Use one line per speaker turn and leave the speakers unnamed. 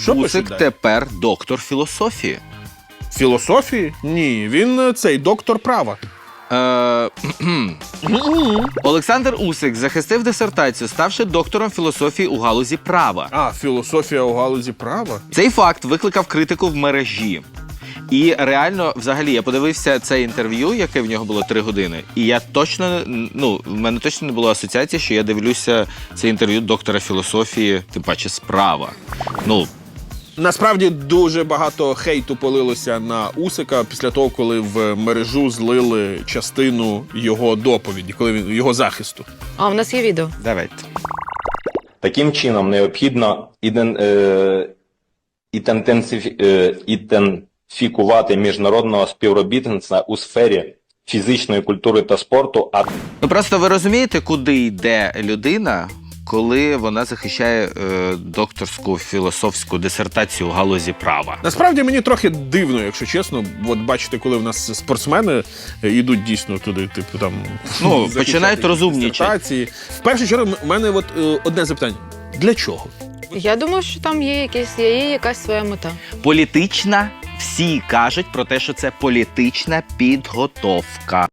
Усик тепер доктор філософії.
Філософії? Ні, він цей доктор права.
Олександр Усик захистив дисертацію, ставши доктором філософії у галузі права.
А, філософія у галузі права?
Цей факт викликав критику в мережі. І реально, взагалі, я подивився це інтерв'ю, яке в нього було 3 години, і я точно, в мене точно не було асоціації, що я дивлюся це інтерв'ю доктора філософії, тим паче справа.
Насправді дуже багато хейту полилося на Усика після того, коли в мережу злили частину його доповіді, його захисту.
А, в нас є відео.
Давайте.
Таким чином необхідно ідентифікувати міжнародного співробітництва у сфері фізичної культури та спорту.
Просто ви розумієте, куди йде людина, коли вона захищає докторську філософську дисертацію у галузі права?
Насправді мені трохи дивно, якщо чесно. От бачите, коли в нас спортсмени йдуть дійсно туди, типу там
починають розумнічати.
В першу чергу, у мене одне запитання. Для чого?
Я думаю, що там є якась своя мета.
Політична, всі кажуть про те, що це політична підготовка.